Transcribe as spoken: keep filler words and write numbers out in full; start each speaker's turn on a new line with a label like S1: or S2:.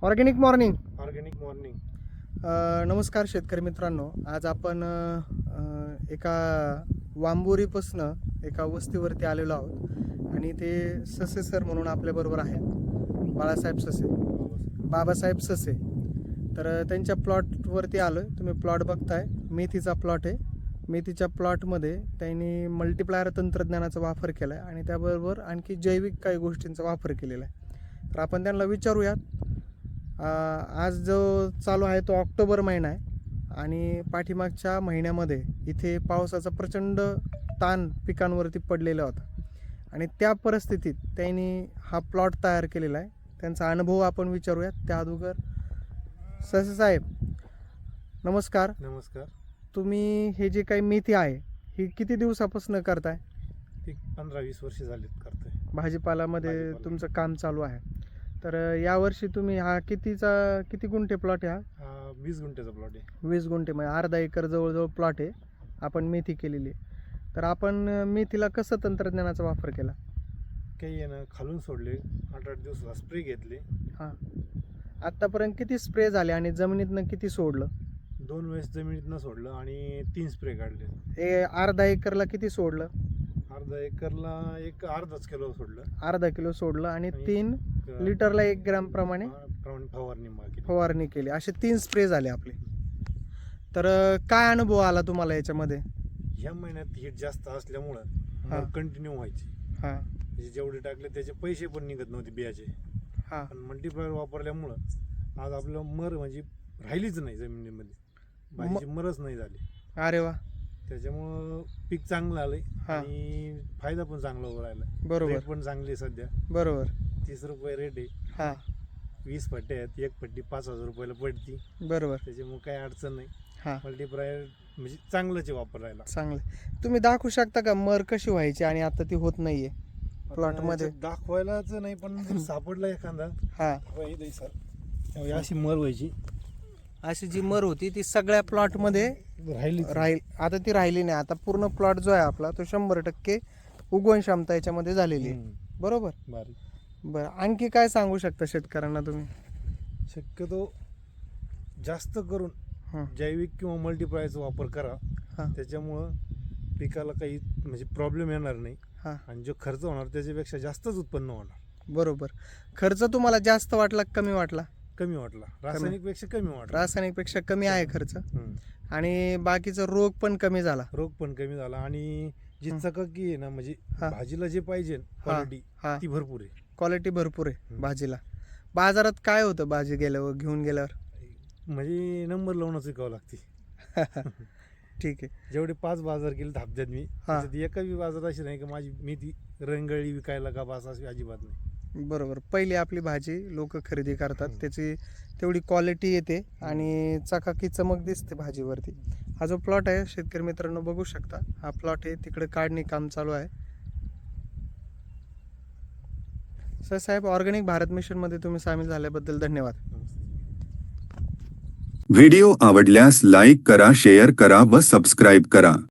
S1: Organic morning.
S2: Organic morning.
S1: नमस्कार शेतकरी मित्रांनो. आज आपण अ, एका वांबोरीपासनं एका वस्तीवरती आलेलो आहोत आणि ते ससे सर म्हणून आपल्याबरोबर आहेत, बाळासाहेब ससे, बाबासाहेब ससे. तर त्यांच्या प्लॉटवरती आलो आहे. तुम्ही प्लॉट बघताय, मेथीचा प्लॉट आहे. मेथीच्या प्लॉटमध्ये त्यांनी मल्टिप्लायर तंत्रज्ञानाचा वापर केला आहे आणि त्याबरोबर आणखी जैविक काही गोष्टींचा वापर केलेला आहे. तर आपण त्यांना विचारूयात. आज जो चालू आहे तो ऑक्टोबर महिना आहे आणि पाठीमागच्या महिन्यामध्ये इथे पावसाचा प्रचंड ताण पिकांवरती पडलेला होता आणि त्या परिस्थितीत त्यांनी हा प्लॉट तयार केलेला आहे. त्यांचा अनुभव आपण विचारूयात. त्या अगोदर ससे साहेब नमस्कार.
S2: नमस्कार.
S1: तुम्ही हे जे काही मेथी आहे ही किती दिवसापासून करताय?
S2: ती पंधरा वीस वर्ष झालीत करतोय.
S1: भाजीपालामध्ये
S2: भाजीपाला.
S1: तुमचं काम चालू आहे. तर यावर्षी तुम्ही हा कितीचा किती गुंठे प्लॉट आहे? हा
S2: हा वीस गुंठ्याचा प्लॉट आहे.
S1: वीस गुंठे म्हणजे अर्धा एकर जवळजवळ प्लॉट आहे. आपण मेथी केलेली आहे. तर आपण मेथीला कसं तंत्रज्ञानाचा वापर केला?
S2: काही आहे ना, खालून सोडले, आठ आठ दिवसाला स्प्रे घेतले.
S1: हां, आत्तापर्यंत किती स्प्रे झाले आणि जमिनीतनं किती सोडलं?
S2: दोन वेळेस जमिनीतनं सोडलं आणि तीन स्प्रे काढले.
S1: हे अर्धा एकरला किती सोडलं?
S2: अर्धा एकरला एक अर्धाच किलो सोडलं.
S1: अर्धा किलो सोडलं आणि
S2: आणि
S1: तीन
S2: एक,
S1: लिटरला एक ग्रॅम प्रमाणे
S2: प्रमाणे फवारणी केली.
S1: फवारणी केली. असे तीन स्प्रे झाले आपले. तर काय अनुभव आला तुम्हाला याच्यामध्ये?
S2: ह्या महिन्यात हीट जास्त असल्यामुळं
S1: हा.
S2: मग कंटिन्यू व्हायची.
S1: हां
S2: म्हणजे जेवढे टाकले त्याचे पैसे पण निघत नव्हते बियाचे.
S1: हां
S2: पण मल्टीप्लायर वापरल्यामुळं आज आपलं मर म्हणजे राहिलीच नाही जमिनीमध्ये. भाजीची मरच नाही झाली.
S1: अरे वा.
S2: त्याच्यामुळं पीक चांगलं आलंय
S1: हा.
S2: आणि फायदा पण चांगला होऊ राहिला.
S1: बरोबर
S2: रेट पण चांगली आहे सध्या.
S1: बरोबर.
S2: तीस रुपये रेट आहे.
S1: हां
S2: वीस पट्टे आहेत, एक पट्टी पाच हजार रुपयाला पडती.
S1: बरोबर.
S2: त्याच्यामुळे काही अडचण नाही.
S1: हां
S2: मल्टीप्लायर म्हणजे चांगलंच आहे वापरायला.
S1: चांगलं. तुम्ही दाखवू शकता का मर कशी व्हायची आणि आता ती होत नाहीये प्लॉट मध्ये?
S2: आता दाखवायलाच नाही, पण जर सापडला एखादा
S1: हा,
S2: वही सर, अशी मर व्हायची.
S1: अशी जी मर होती ती सगळ्या प्लॉट मध्ये
S2: राहिली
S1: राहील. आता ती राहिली नाही. आता पूर्ण प्लॉट जो आहे आपला तो शंभर टक्के उगवण क्षमता याच्यामध्ये झालेली आहे. बरोबर.
S2: बारीक.
S1: बरं, आणखी काय सांगू शकता शेतकऱ्यांना तुम्ही?
S2: शक्यतो जास्त करून
S1: हं.
S2: जैविक किंवा मल्टीप्लायरचा वापर करा.
S1: हा.
S2: त्याच्यामुळं पिकाला काही म्हणजे प्रॉब्लेम येणार नाही
S1: हा.
S2: आणि जो खर्च होणार त्याच्यापेक्षा जास्तच उत्पन्न होणार.
S1: बरोबर. खर्च तुम्हाला जास्त वाटला कमी वाटला?
S2: कमी वाटला. रासायनिक पेक्षा कमी वाटला.
S1: रासायनिक पेक्षा कमी आहे खर्च
S2: हम्म.
S1: आणि बाकीचा रोग पण कमी झाला.
S2: रोग पण कमी झाला आणि जी
S1: हं.
S2: चकाकी आहे ना, म्हणजे
S1: हा.
S2: भाजीला जे पाहिजे क्वालिटी
S1: हा,
S2: ती भरपूर आहे.
S1: क्वालिटी भरपूर आहे
S2: हं.
S1: भाजीला. बाजारात काय होतं भाजी गेल्यावर, घेऊन गेल्यावर?
S2: म्हणजे नंबर लावूनच विकावं लागते.
S1: ठीक आहे.
S2: जेवढे पाच बाजार केले हप्त्यात मी,
S1: हा.
S2: त्याच्यात एका बी बाजार अशी नाही की माझी मी ती रंगळी विकायला का बास अशी अजिबात नाही.
S1: बरोबर. पहिली आपली भाजी लोक खरेदी करतात,
S2: हं.
S1: त्याची तेवढी क्वालिटी येते आणि चकाकी चमक दिसते भाजीवरती. हा जो प्लॉट आहे शेतकरी मित्रांनो बघू शकता, हा प्लॉट आहे. तिकडे काढणी काम चालू आहे. सर साहेब, ऑर्गॅनिक भारत मिशनमध्ये तुम्ही सामील झाल्याबद्दल धन्यवाद.
S3: व्हिडिओ आवडल्यास लाईक करा, शेअर करा व सबस्क्राईब करा.